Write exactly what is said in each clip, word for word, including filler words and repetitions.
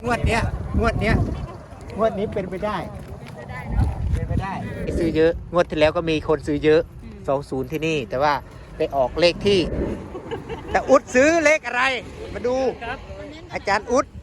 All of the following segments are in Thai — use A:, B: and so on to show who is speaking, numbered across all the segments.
A: งวดเนี้ยงวดเนี้ยงวดนี้เป็นไปได้เป็นไปได้ซื้อเยอะงวดที่แล้วก็มีคนซื้อเยอะสองศูนย์ที่นี่แต่ว่าไปออกเลขที่แต่อุดซื้อเลขอะไรมาดูอาจารย์อุด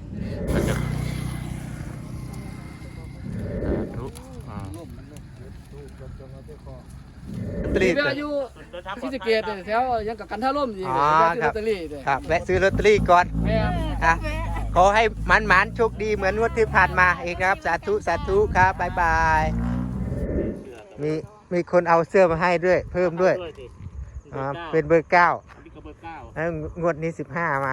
A: ตรี
B: ที่อยู่ที่สเกตแถวยังกับกันท่าร่มอยู่
A: อ๋อ
B: ที่
A: ค
B: ล
A: รั
B: อบ ตเตอรี่
A: ครับแวะซื้อลอตเตอรี่ก่อน
B: แม่
A: อ่ะขอให้มันหมานโชคดีเหมือนงวดที่ผ่านมาอีกครับสาธุสาธุครับบ๊ายบายมีมีคนเอาเสื้อมาให้ด้วยเพิ่มด้วยอ่าเป็นเบอร์เก้าแล้วงวดนี้สิบห้ามา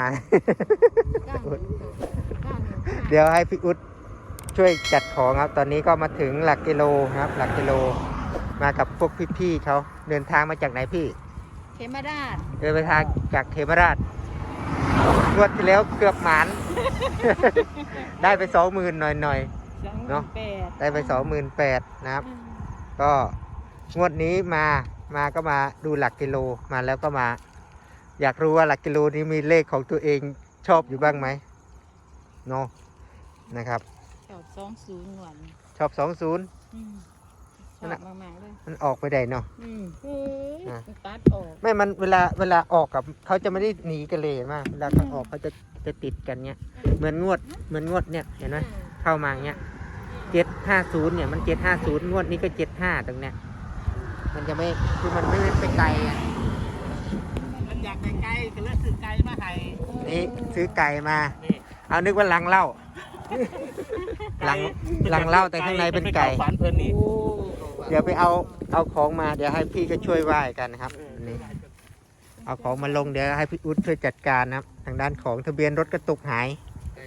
A: เดี๋ยวให้พี่อุ๊ดช่วยจัดของครับตอนนี้ก็มาถึงหลักกิโลครับหลักกิโลมากับพวกพี่ๆเขาเดินทางมาจากไหนพี่
C: เขมราช
A: เดินไปทางจากเขมราชงวดที่แล้วเกือบหมาน ได้ไปสองหมื่นหน่อยๆเนาะได้ไปสองหมื่นแปดนะครับก็งวดนี้มามาก็มาดูหลักกิโลมาแล้วก็มา อยากรู้ว่าหลักกิโลนี้มีเลขของตัวเองชอบอยู่บ้างไหมเนาะนะครับ
C: ชอบสองศูนย์หวน
A: ชอบสองศูนย์
C: ชอบมากๆเลย
A: มันออกไปได้เนาะ
C: อืมตัดออก
A: ไม่มันเวลาเวลาออกกับเขาจะไม่ได้หนีกันเลยมากเวลาเขาออกเขาจะจะติดกันเนี้ยเหมือนงวดเหมือนงวดเนี่ยเห็นไหมเข้ามาเนี้ยเจ็ดห้าศูนย์เนี่ยมันเจ็ดห้าศูนย์งวดนี้ก็เจ็ดห้าตรงเนี้ยมันจะไม่คือมันไม่ไปไกลอ่ะ
B: มันอยากไปไกลก็เลยซื้อไกลมาให้
A: นี่ซื้อไก่มาเอานึกว่าลังเหล้าลังลังเหล้าแต่ข้างในเป็นไก่เดี๋ยวไปเอาเอาของมาเดี๋ยวให้พี่ก็ช่วยไหว้กันนะครับนี่เอาของมาลงเดี๋ยวให้พี่อุ๊ดช่วยจัดการนะครับทางด้านของทะเบียนรถกระตุกหาย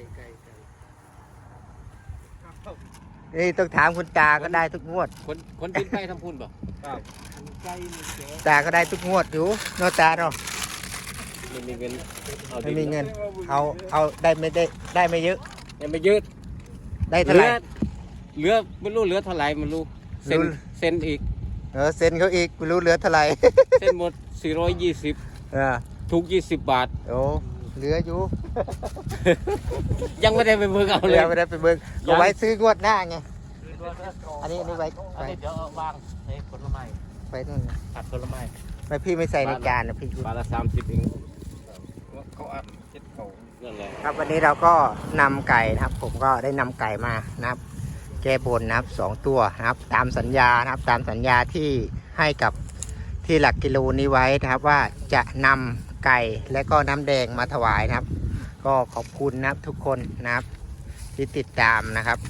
A: นี่ต้องถามคุณตาก็ได้ทุกงวด
B: คนคนบินไปทำพุ่นบ่
A: ตาก็ได้ทุกงวดอยู่โนตาเนาะ
B: ไม่มีเงิน
A: ไม่มีเงินเอาเอาได้ไม่ได้ได้ไม่เยอะ
B: ยังไม่เยอะ
A: ได้เท่าไหร่
B: เหลือไม่รู้เหลือเท่าไหร่ไม่รู้เซ็นเซ็นอีก
A: เออเซ็นเขาอีกไม่รู้เหลือเท่าไหร่
B: เซ็นหมดสี่ร้อยยี่สิบ
A: เออ
B: ถูกยี่สิบบาท
A: โอ้เหลืออยู่
B: ยังไม่ได้ไปเบิกเอาเลย
A: ยังไม่ได้ไปเบิกเอาไว้ซื้องวดหน้าไงอันนี้อันนี้ไว้
B: อันนี้เดี๋ยววางในผลไม้
A: ไปนู่น
B: ตัดผลไม้
A: ไม่พี่ไม่ใส่ในจานนะพี่
B: บาทละสามสิบเองเขาอัดเจ็ดเขา
A: ครับวันนี้เราก็นำไก่นะครับผมก็ได้นำไก่มานะครับแก้บนนะครับสองตัวนะครับตามสัญญานะครับตามสัญญาที่ให้กับที่หลักกิโลนี้ไว้นะครับว่าจะนำไก่และก็น้ำแดงมาถวายนะครับก็ขอบคุณนะครับทุกคนนะครับที่ติดตามนะครับ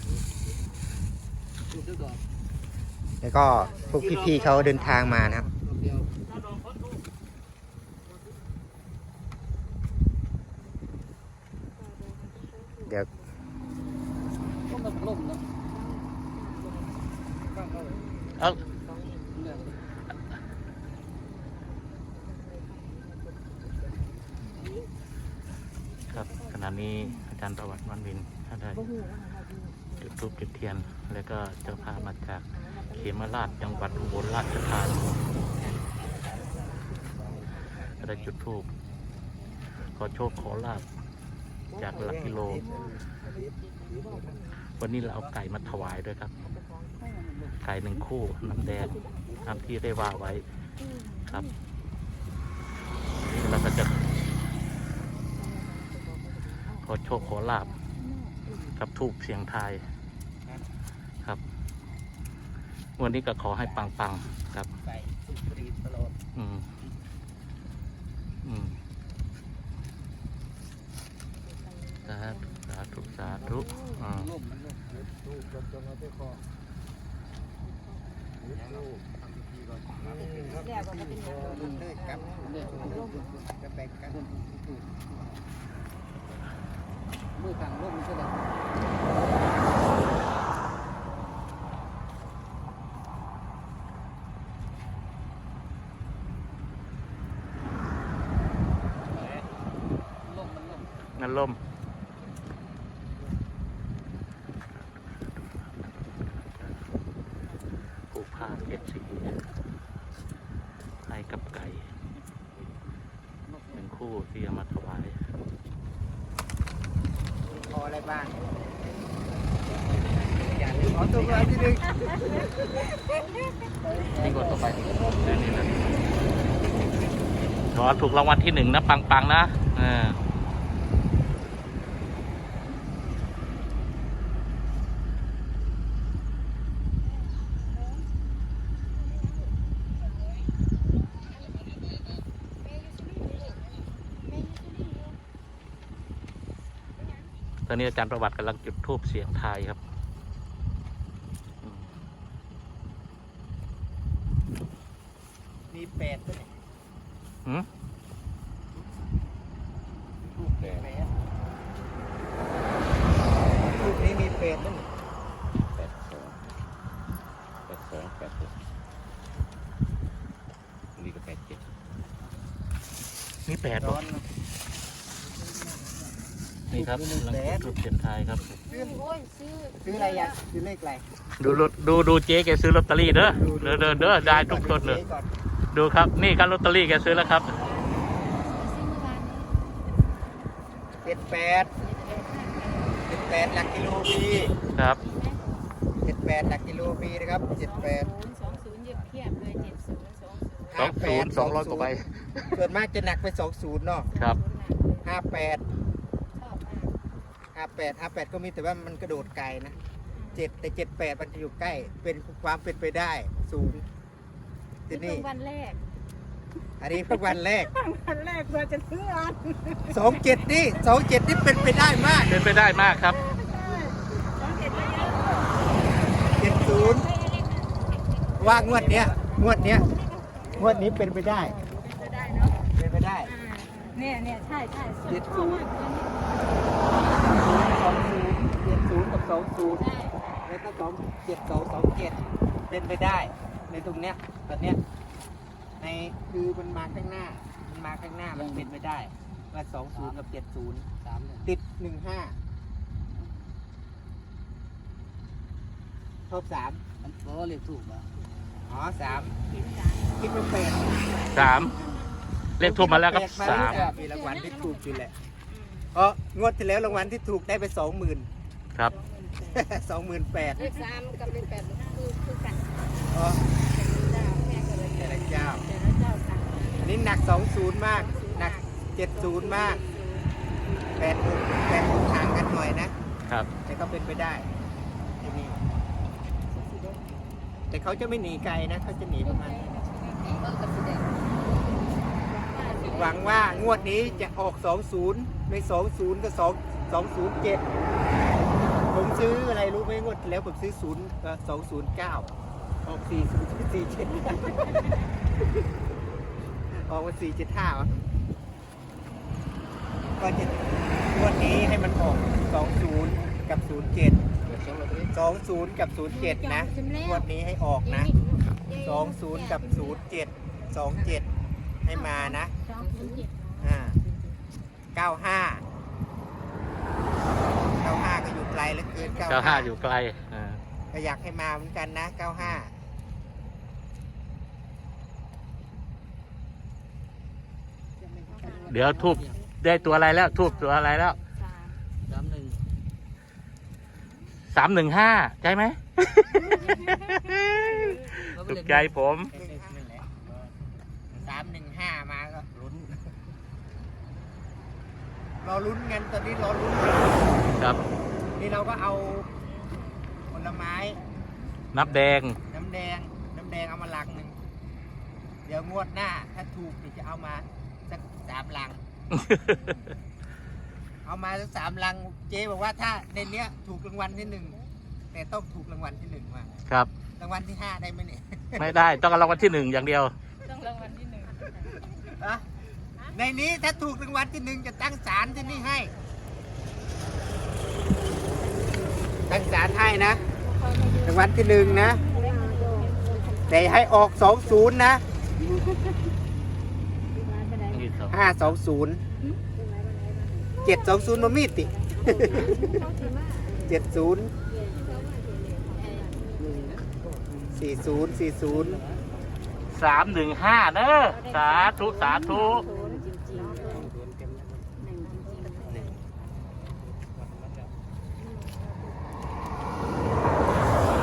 A: แล้วก็พวกพี่ๆเขาเดินทางมานะครับเดี๋ยวเอา
D: ครับขณะนี้อาจารย์ประวัติวันวินท่านได้จุดธูปจุดเทียนแล้วก็เจ้าภาพมาจากเขมราชจังหวัดอุบลราชธานีได้จุดธูปขอโชคขอลาภจากหลักกิโลวันนี้เราเอาไก่มาถวายด้วยครับไก่หนึ่งคู่น้ำแดงตามที่ได้ว่าไว้ครับเราก็จะขอโชคขอลาภกับทูปเสียงไทายครับวันนี้ก็ขอให้ปังๆครับอืมอืมสาธุสาธุสาธุอ่า
B: มือขังร่มใช่ไหม
D: นั่นล่มผูกผ้าเจ็ดสีให้กับไก่หนึ่งคู่ที่เอามาถวาย
A: พออะไรบ้างขอถูกรางวัลที่หนึ่ง
D: นี่กดต่อไปนี่นี่นะขอถูกรางวัลที่หนึ่งนะปังๆนะอ่าตอนนี้อาจารย์ประวัติกำลังจุดธูปเสียงทายครับอืม
A: มีแปดด้วย
D: หืม
A: ถูกแปดถูกนี้มีแปดด้วย
B: แปดสองแปดสองแปดหกนี่ก็แปดเจ็ด
D: นี่แปด
A: ร้
D: บ่
A: อนนะ
D: นี่ครับกำลังจุดธูปเสียงทายครับ
C: ซื้อโอ้ยซื้อ
A: ซื้ออะไรยะซื้อเลขอะไร
D: ดูรถดูดูเจ๊แกซื้อลอตเตอรี่เด้อเด้อเด้อเด้อได้ทุกคนเลย
A: ก่อน
D: ดูครับนี่ครับลอตเตอรี่แกซื้อแล้วครับ
C: ซื้อเมื่อวานนี้
A: เจ็ดแปดเจ็ดแปดหลักกิโลปี
D: ครับ
A: เจ็ดแปดหลักกิโลปีนะครับเจ็ดแปด
C: ศูนย์สองศูนย์เย็บเทียบเลยเจ็ดศูนย์สองศูนย์
D: สองศูนย์สองร้อยกว่าใบ
A: ส่วนมากจะหนักไปสองศูนย์เนาะ
D: ครับ
A: ห้าแปด
C: ชอบมาก
A: ห้าแปดห้าแปดก็มีแต่ว่ามันกระโดดไกลนะเจ็ดแต่เจ็ดแปดมันจะอยู่ใกล้เป็นความเป็นไปได้สูงที
C: ซื้อ
A: นี่
C: เพิ่งวันแรก
A: อันนี้เพิ่งวันแรก
C: วันแรกเราจะซื้ออัน
A: สองเจ็ดนี่สองเจ็ดนี่เป็นไปได้มาก
D: เป็นไปได้มากครับ
C: สองเจ็ดก็เยอะ
A: เจ็ดศูนย์ว่างวดเนี้ยงวดเนี้ยงวดนี้เป็นไปได้
C: จะได้เนาะ
A: เป็นไปได้
C: อ่าเนี่ยเนี่ยใช่ใช่
A: เจ็ดศู
C: ชอบ
A: นย์
C: มากเลย
A: สองศูนย์เจ็ดศูนย์กับสองศูนย์
C: ใช่
A: แล้วก็สองเจ็ดสองสองเจ็ดเป็นไปได้ ในตรงเนี้ยตอนเนี้ยในคือมันมาข้างหน้า มันมาข้างหน้ามันเป็นไปได้ว่าสองศูนย์กับเจ็ดศูนย์สามติดหนึ่งห้าชอบสาม
E: มันก็เลขถูกอ่ะ
A: อ๋อสาม
C: เห็นสาม
A: คิดว่าแปด
D: สามเลขทูบมาแล้วครับ
A: แปด
D: สาม
A: มีรางวัลที่ถูกอยู่แหละเพราะงวดที่แล้วรางวัลที่ถูกได้ไปสองหมื่น
D: ครับ
A: สองหมื่นแปด
C: เลขสามกับเลขแปดคือคือกัน
A: อ๋อ
C: เจ้าแม่ก็เลย
A: แต่ละเจ้า
C: แต่ละเจ้าต่าง
A: อันนี้หนักสองศูนย์มาก หนักเจ็ดศูนย์มากแปดหกแปดหกห่างกันหน่อยนะครับ แต่ก็เป็นไปได้ที่นี่แต่เขาจะไม่หนีไกลนะเขาจะหนีประมาณ หวังว่างวดนี้จะออกสองศูนย์ไม่สองศูนย์ก็สองสองศูนย์เจ็ดผมซื้ออะไรรู้ไหมงวดที่แล้วผมซื้อศูนย์สองศูนย์เก้าออกสี่ศูนย์สี่เจ็ดออกมาสี่เจ็ดห้าก็จะงวดนี้ให้มันออกสองศูนย์กับศูนย์เจ็ดสองศูนย์กับศูนย์เจ็ดนะงวดนี้ให้ออกนะสองศูนย์กับศูนย์เจ็ดสองเจ็ดให้มานะ
C: สองศูนย์เจ็ด
A: อ่าเก้าห้าเก้าห้าก็อยู่ไกลเหลือเกิน
D: เก้าห้าอยู่ไกลอ่า
A: ก็อยากให้มาเหมือนกันนะเก้าห้า
D: เดี๋ยวทูบได้ตัวอะไรแล้วทูบตัวอะไรแล้ว
C: สาม
E: สามหนึ่ง
D: สามหนึ่งห้าใช่ไหม ถูกใจผม
A: สามหนึ่งห้ามาก็ลุ้น รอลุ้นกันตอนนี้รอลุ้น
D: ครับ
A: นี่เราก็เอาผลไม้
D: นับแดง
A: น้ำแดง น้ำแดงเอามาลังหนึ่ง เดี๋ยวงวดหน้า ถ้าถูกเดี๋ยวจะเอามาสักสามลัง เอามาสักสามลัง เจ๊บอกว่าถ้าในเนี้ยถูกรางวัลที่หนึ่งแต่ต้องถูกรางวัลที่หนึ่งมา
D: ครับ
A: รางวัลที่ห้าได้ไหมเนี่ย
D: ไม่ได้ต้องเอารางวัลที่หนึ่งอย่างเดียว
C: ต้องรางวัลที่หนึ่ง
A: อะในนี้ถ้าถูกรางวัลที่หนึ่งจะตั้งศาลที่นี่ให้ ตั้งศาลให้นะรางวัลที่หนึ่งนะ แต่ให้ออกสองศูนย์นะห้าสองศูนย์เจ็ดสองศูนย์มามีดติ เจ็ดศูนย์สี่ศูนย์สี่ศูนย์
D: สามหนึ่งห้าเนอะสาธุสาธุ
A: เ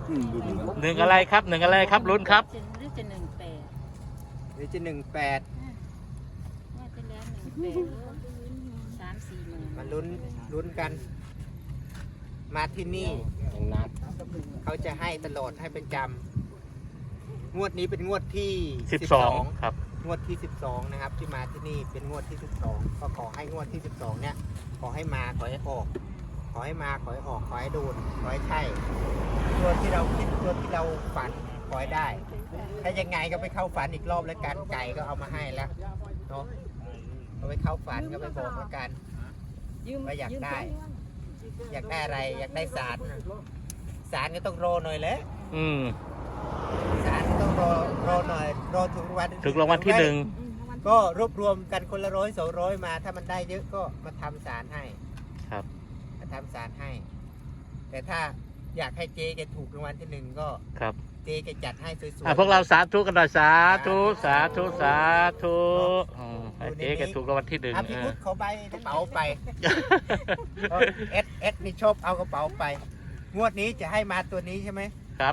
D: หนึ่งอะไรครับหนึ่งอะไรครับลุ้นครับ
C: หรือจะหนึ่งแปด
A: หรือจะหนึ่งแปด
C: ว่าจะแล้วหนึ่งแปดสามสี่หมื่น
A: มาลุ้นลุ้นกัน มาที่นี่
B: อย่างนัด
A: เขาจะให้ตลอดให้เป็นจำงวดนี้เป็นงวดที่
D: สิบสองครับ
A: งวดที่สิบสองนะครับ ที่มาที่นี่เป็นงวดที่สิบสองก็ขอให้งวดที่สิบสองเนี่ยขอให้มาขอให้ออก ขอให้มาขอให้ออกขอให้โดนขอให้ใช่ตัวที่เราคิดตัวที่เราฝันขอให้ได้ ถ้ายังไงก็ไปเข้าฝันอีกรอบแล้วกันไก่ก็เอามาให้แล้วเนาะเอาไปเข้าฝันก็ไปบอกแล้วกันว่าอยากได้ อยากได้อะไรอยากได้สารสารก็ต้องรอหน่อยแหละ
D: อืม
A: สารก็ต้องรอรอหน่อยรอถึงรางวัล
D: ถึงรางวัลที่หนึ่ง
A: ก็รวบรวมกันคนละร้อยสองร้อยมา ถ้ามันได้เยอะก็มาทำสารให้
D: ครับ
A: มาทำสารให้ แต่ถ้าอยากให้เจ๊แกถูกรางวัลที่หนึ่งก็
D: ครับ
A: เจ๊แกจัดให้สวย
D: อ่ะพวกเราสาธุกันหน่อยสาธุสาธุสาธุอืมให้เจ๊แกถูกรางวัลที่หนึ่ง
A: อ่ะ
D: เอ
A: พี่
D: อ
A: พุทธเขาใบกระเป๋าไปเอสเอสนี่ชอบเอากระเป๋าไป งวดนี้จะให้มาตัวนี้ใช่ไหม
D: ครับ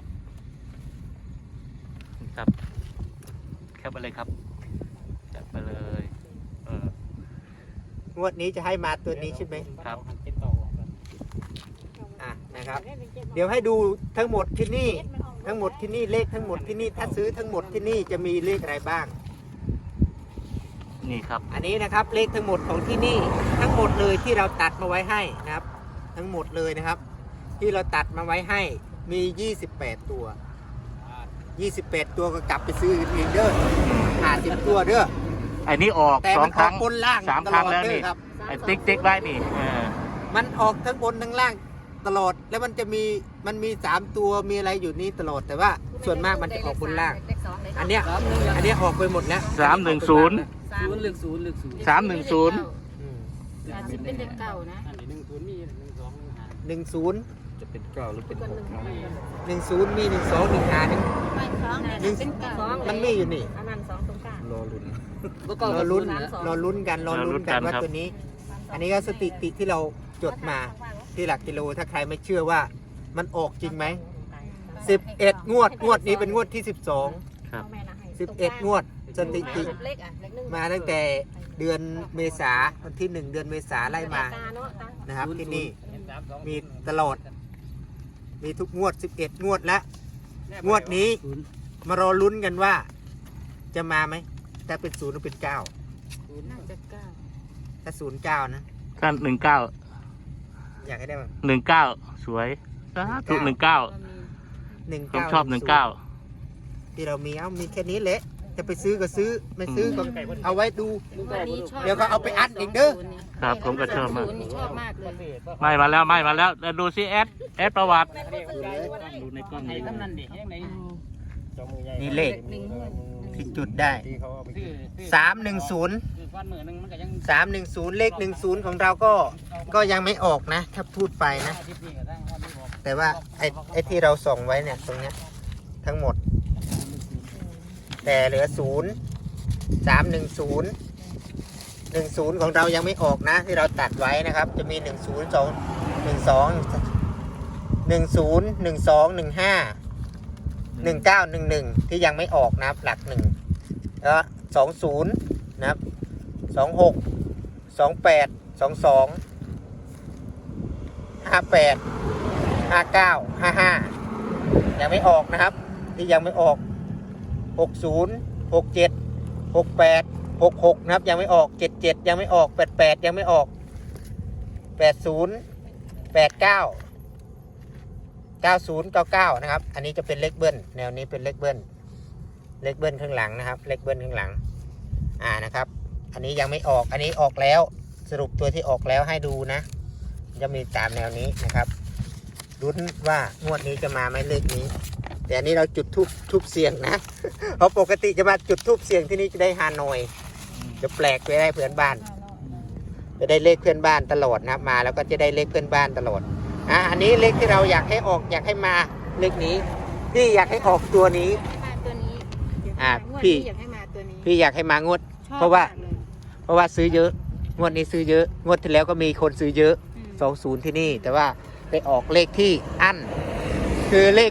D: ครับแคปไปเลยครับแคปไปเลยเออง
A: วดนี้จะให้มาตัวนี้ใช่ไหม
D: ครับ
A: อ่ะนะครับ เดี๋ยวให้ดูทั้งหมดที่นี่ ทั้งหมดที่นี่เลขทั้งหมดที่นี่ถ้าซื้อทั้งหมดที่นี่จะมีเลขอะไรบ้าง
D: นี่ครับ
A: อันนี้นะครับเลขทั้งหมดของที่นี่ทั้งหมดเลยที่เราตัดมาไว้ให้นะครับ ทั้งหมดเลยนะครับ ที่เราตัดมาไว้ให้มียี่สิบแปดตัวยี่สิบแปดตัวก็กลับไปซื้ออีกเด้อห้าสิบตัวเด้อ
D: ไอ้นี่ออก
A: แต่
D: สอ
A: มั
D: ง
A: น
D: ค
A: ออ
D: รั้
A: ก
D: ง
A: บนล่าง
D: สาม
A: ต
D: ครั้ง
A: ลอด
D: แล้ว
A: เด้
D: นี่
A: อครับ
D: ไอ้ติ๊กติ๊กไว้นี่เออ
A: มันออกทั้งบนทั้งล่างตลอดแล้วมันจะมีมันมีสามตัวมีอะไรอยู่นี่ตลอดแต่ว่าส่วนมากมันจะออกบนล่าง อันเนี้ยอันเนี้ยออกไปหมดแล้ว
D: สามหนึ่งศูนย์
E: ศูนย์เลขศูนย์เลขศูนย์
D: สามหนึ่งศูนย์
A: อืม
C: สามสิบเป็นเด็กเก่านะ
E: อันนี้หนึ่งศูนย์มีหนึ่งสองหนึ่งห้า
A: หนึ่งศูนย์
B: จะเป็นเก้าหรือเป็นหกเนาะ
A: หนึ่งศูนย์มีหนึ่งสองหนึ่งห้าหนึ่ง
C: ไม่สองนะเป็นเก่า
A: มันมีอยู่นี่
C: อันนั้นสองตรงกลาง
B: รอลุ้น
A: รอลุ้นรอลุ้นกันรอลุ้นกันว่าตัวนี้ อันนี้ก็สถิติที่เราจดมาที่หลักกิโลถ้าใครไม่เชื่อว่ามันออกจริงไหมสิบเอ็ดงวดงวดนี้เป็นงวดที่สิบสอง
D: ครับ
A: สิบเอ็ดงวดสถิติ
C: เล็กอ่ะเล็กหนึ่ง
A: มาตั้งแต่เดือนเมษาวันที่หนึ่งเดือนเมษาไล่มานะครับที่นี่มีตลอด มีทุกงวดสิบเอ็ดงวดแล้วงวดนี้มารอลุ้นกันว่า จะมาไหมถ้าเป็นศูนย์หรือเป็นเก้า
C: น่าจะเก้า
A: ถ้าศูนย์เก้านะ
D: ขั้นหนึ่งเก้า
A: อยากให้ได้มั้ง
D: หนึ่งเก้าสวยสาธุหนึ่งเก้า
C: ก็มี
A: หนึ่ง
D: ผม
A: เก้า
D: ชอบหนึ่งเก้า
A: ที่เรามีเอามีแค่นี้แหละจะไปซื้อก็ซื้อไม่ซื้อก็เอาไว้ดู
C: วันนี้ชอบ
A: เดี๋ยวก็เอาไปอัดอีกเด้อ
D: ครับผมก็ชอบมาก
C: ศูนย์นี่ชอบมากเลย
D: ไม่มาแล้วไม่มาแล้วแล้วดูซิแอดแอดประวัติดูในกล้องนี้
E: กำนันเด็กยังไง
A: นี่เลขที่จุดได้สามหนึ่งศูนย์
E: คือก้อนมือหนึ่งมันก็ยัง
A: สามหนึ่งศูนย์เลขหนึ่งศูนย์ของเราก็ก็ยังไม่ออกนะ ถ้าพูดไปนะ
E: อาทิตย์นี้ก็ตั้งว่าไม่บอก
A: แต่ว่าไอ้ไอ้ที่เราส่งไว้เนี่ยตรงเนี้ยทั้งหมด แต่เหลือศูนย์สามหนึ่งศูนย์หนึ่งศูนย์ของเรายังไม่ออกนะ ที่เราตัดไว้นะครับ จะมีหนึ่งศูนย์สองหนึ่งสองหนึ่งศูนย์หนึ่งสองหนึ่งห้าหนึ่งเก้าหนึ่งหนึ่งที่ยังไม่ออกนะครับหลักหนึ่งแล้วสองศูนย์นะครับสองหกสองแปดสองสองห้าแปดห้าเก้าห้าห้ายังไม่ออกนะครับ ที่ยังไม่ออกหกศูนย์หกเจ็ดหกแปดหกหกนะครับยังไม่ออกเจ็ดเจ็ดยังไม่ออกแปดแปดยังไม่ออกแปดศูนย์แปดเก้าเก้าศูนย์เก้าเก้านะครับอันนี้จะเป็นเลขเบิ้ลแนวนี้เป็นเลขเบิ้ลเลขเบิ้ลข้างหลังนะครับเลขเบิ้ลข้างหลังอ่านะครับอันนี้ยังไม่ออกอันนี้ออกแล้วสรุปตัวที่ออกแล้วให้ดูนะจะมีตามแนวนี้นะครับลุ้นว่างวดนี้จะมาไหมเลขนี้แต่อันนี้เราจุดทูบทูบเสียงนะ เพราะปกติจะมาจุดทูบเสียงที่นี่จะได้ฮานอยจะแปลกไปได้เพื่อนบ้านจะได้เลขเพื่อนบ้านตลอดนะครับมาแล้วก็จะได้เลขเพื่อนบ้านตลอดอ่ะอันนี้เลขที่เราอยากให้ออกอยากให้มาเลขนี้พี่อยากให้ออกตัวนี้
C: มาตัวนี้
A: อ่ะ
C: งวด
A: พี่
C: นี้อยากให้มาตัวนี้
A: พี่อยากให้มางวด
C: ชอบ
A: เพราะว่า
C: มกลย
A: เพราะว่าซื้อเยอะงวดนี้ซื้อเยอะงวดที่แล้วก็มีคนซื้อเยอะ
C: อืม
A: สองศูนย์ที่นี่แต่ว่าไปออกเลขที่อั้นคือเลขอ่ะ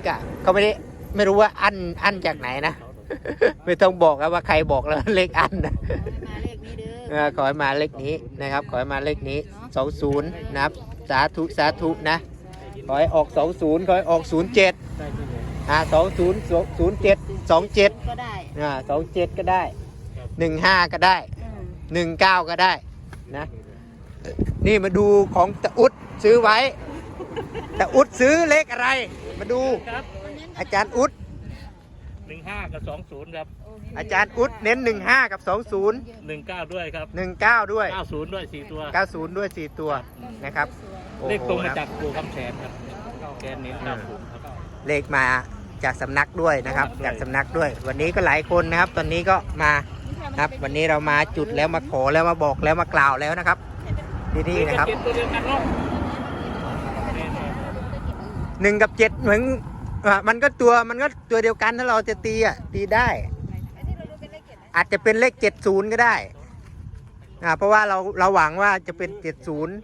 A: เขาไม่ได้ไม่รู้ว่าอันอันจากไหนนะ ไม่ต้องบอกนะว่าใครบอกแล้วเลขอันนะ
C: มาเลขนี้เด้
A: เออขอให้มาเลขนี้นะครับ ขอให้มาเลขนี้สองศูนย์นะครับ สาธุสาธุนะขอให้ออกสองศูนย์ขอให้ออกศูนย์เจ็ดอ่าสองศูนย์ศูนย์เจ็ดสองเจ็ด
C: ก็ได้
A: อ่าสองเจ็ดก็ได้หนึ่งห้าก็ได้
C: อืม
A: หนึ่งเก้าก็ได้นะนี่มาดูของตะอุดซื้อไว้ตะอุดซื้อเลขอะไร มาดู
D: ครับ
A: อาจารย์อุด
D: หนึ่งห้ากับสองศูนย์ครับ
A: อาจารย์อุดเน้นหนึ่งห้ากับสองศูนย์
D: หนึ่งเก้าด้วยครับ
A: หนึ่งเก้าด้วย
D: เก้าศูนย์ด้วยสี่ตัว
A: เก้าศูนย์ด้วยสี่ตัวนะครับ
D: เลขตรงมา
A: โอ้โห
D: จากปู่คำแสนครับแกนเน้นเก้าศูนย์ครับ
A: เลขมาจากสำนักด้วยนะครับ จากสำนักด้วย วันนี้ก็หลายคนนะครับ ตอนนี้ก็มาครับ วันนี้เรามาจุดแล้วมาขอแล้วมาบอกแล้วมากล่าวแล้วนะครับที่นี่นะครับ
D: ตัวเดียวกันเนาะ
A: หนึ่งกับเจ็ดเหมือนอ่ะมันก็ตัวมันก็ตัวเดียวกันถ้าเราจะตีอ่ะตีได้ อาจจะเป็นเลขเจ็ดศูนย์ก็ได้อ่าเพราะว่าเราเราหวังว่าจะเป็นเจ็ดศูนย์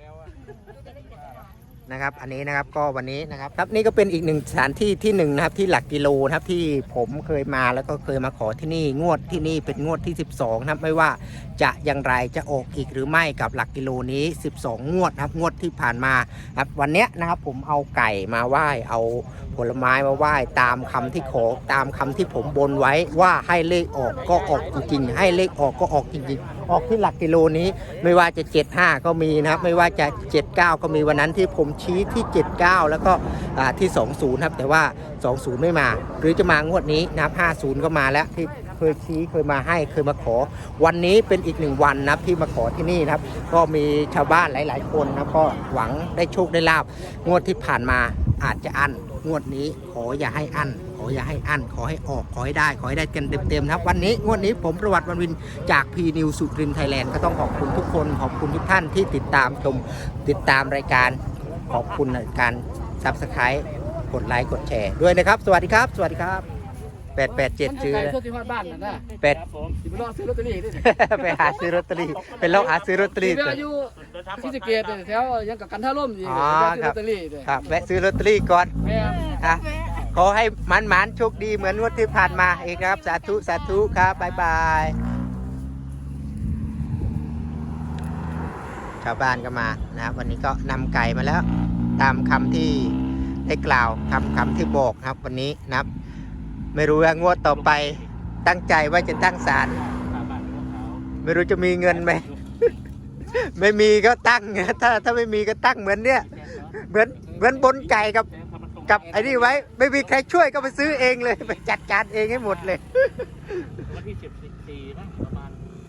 A: นะครับอันนี้นะครับก็วันนี้นะครับครับนี่ก็เป็นอีกหนึ่งสถานที่ที่หนึ่งนะครับที่หลักกิโลนะครับที่ผมเคยมาแล้วก็เคยมาขอที่นี่งวดที่นี่เป็นงวดที่สิบสองนะครับไม่ว่าจะอย่างไรจะออกอีกหรือไม่กับหลักกิโลนี้สิบสองงวดนะครับงวดที่ผ่านมาครับวันเนี้ยนะครับผมเอาไก่มาไหว้เอาผลไม้มาไหว้ตามคำที่ขอตามคำที่ผมบนไว้ว่าให้เลขออกก็ออกจริงๆให้เลขออกก็ออกจริงๆออกที่หลักกิโลนี้ไม่ว่าจะเจ็ดห้าก็มีนะครับไม่ว่าจะเจ็ดเก้าก็มีวันนั้นที่ผมชี้ที่เจ็ดเก้าแล้วก็อ่าที่สองศูนย์ครับแต่ว่าสองศูนย์ไม่มาหรือจะมางวดนี้นะครับห้าศูนย์ก็มาแล้วที่เคยชี้เคยมาให้เคยมาขอวันนี้เป็นอีกหนึ่งวันนะครับที่มาขอที่นี่นะครับก็มีชาวบ้านหลายๆคนนะก็หวังได้โชคได้ลาบงวดที่ผ่านมาอาจจะอั้นงวดนี้ขออย่าให้อั้นขออย่าให้อั้นขอให้ออกขอให้ได้ขอให้ได้กันเต็มๆนะครับวันนี้งวดนี้ผมประวัติวันวินจากพีนิวสุรินทร์ไทยแลนด์ก็ต้องขอบคุณทุกคนขอบคุณทุกท่านที่ติดตามชมติดตามรายการขอบคุณในการซับสไครต์กดไลค์กดแชร์ด้วยนะครับสวัสดีครับ สวัสดีครับแปดแปดเจ็ดซื้อ
E: มันจะไกลสุดที่ฮอดบ้านน่ะนะ
A: แปด
E: สิไปรอซื้อลอตเตอรี่นี่
A: ไปหาซื้อลอตเตอรี่เป็นลองหาซื้อลอตเตอรี่
E: ที่
A: ตัว
E: อายุที่สะเกตแถวยังกับกันท่าร่มอยู่
A: อ๋อ
E: ซื้อ
A: ครั
E: ลอบ ตเตอรี่ด้วย
A: ครับแวะซื้อลอตเตอรี่ก่อน
E: แม่
A: อ่ะขอให้มันมันๆโชคดีเหมือนงวดที่ผ่านมาอีกนะครับ สาธุสาธุครับบ๊ายบายชาวบ้านก็มานะครับวันนี้ก็นำไก่มาแล้ว ตามคำที่ได้กล่าวคำคำที่บอกนะครับวันนี้นะครับ ไม่รู้ว่างวดต่อไปตั้งใจว่าจะตั้งศาลไม่รู้จะมีเงินไหม ไม่มีก็ตั้งถ้าถ้าไม่มีก็ตั้งเหมือนเนี้ยเหมือนเหมือนบนไก่กับกับไอ้นี่ไว้ ไม่มีใครช่วยก็ไปซื้อเองเลยไปจัดการเองให้หมดเลย
D: วันที่สิบสี่นะประมาณ